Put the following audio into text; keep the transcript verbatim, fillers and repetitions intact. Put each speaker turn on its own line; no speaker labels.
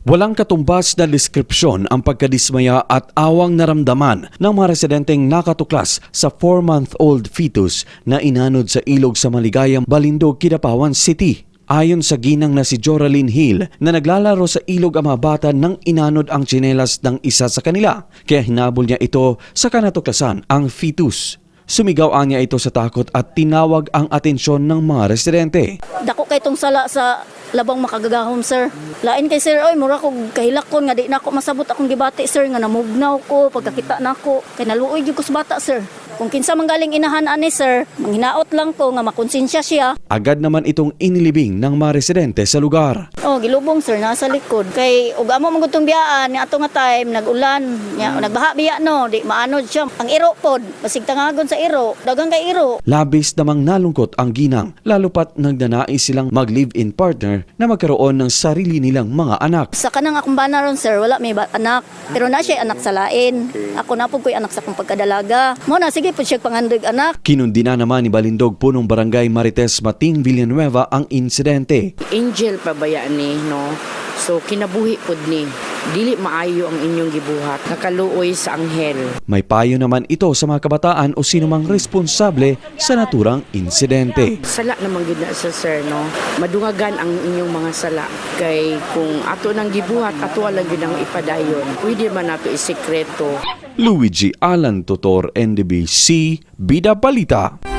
Walang katumbas na deskripsyon ang pagkadismaya at awang naramdaman ng mga residenteng nakatuklas sa four-month-old fetus na inanod sa ilog sa Maligayang, Balindog, Kidapawan City. Ayon sa ginang na si Joraline Hill na naglalaro sa ilog ang mga bata nang inanod ang tsinelas ng isa sa kanila, kaya hinabol niya ito sa kanatuklasan ang fetus. Sumigaw niya ito sa takot at tinawag ang atensyon ng mga residente.
Dako kay tong sala sa labang makagagahom, sir. Lain kay sir, oy mura ko kahilakon nga di na ako masabot akong gibati, sir, nga namugnaw ko pagkakita nako. Kay naluoy gyud ko sa bata, sir. Kung kinsa manggaling inahan ani, sir, manghinaot lang ko nga makonsensya siya.
Agad naman itong inilibing ng mga residente sa lugar.
Oh, gilubong, sir, nasa likod. Kay ug amo man gutong biyaan nga ato nga time nag-ulan, nya nagbaha biya no, di maanod siya. Ang iro pod, basig tangagon sa iro, dagang kay iro.
Labis namang nalungkot ang ginang, lalo pat nagdanais silang mag-live-in partner na magkaroon ng sarili nilang mga anak.
Sa kanang akong bana ron, sir, wala may ba- anak. Pero na siya anak sa lain. Ako na po ko'y anak sa kong pagkadalaga. Mo na, sige po siya pangandig anak.
Kinundi na naman ni Balindog punong barangay Marites Mating Villanueva ang insidente.
Angel pa ba yan ni, no? So kinabuhi pod ni. Dili maayo ang inyong gibuhat. Nakaluoy sa anghel.
May payo naman ito sa mga kabataan o sinumang responsable sa naturang insidente.
Sala naman gid na sa sir, no? Madungagan ang inyong mga sala. Kay kung ato nang gibuhat, ato lang gid ang ipadayon. Pwede man nato isekreto.
Luigi Alan Totor, N D B C, Bida Balita.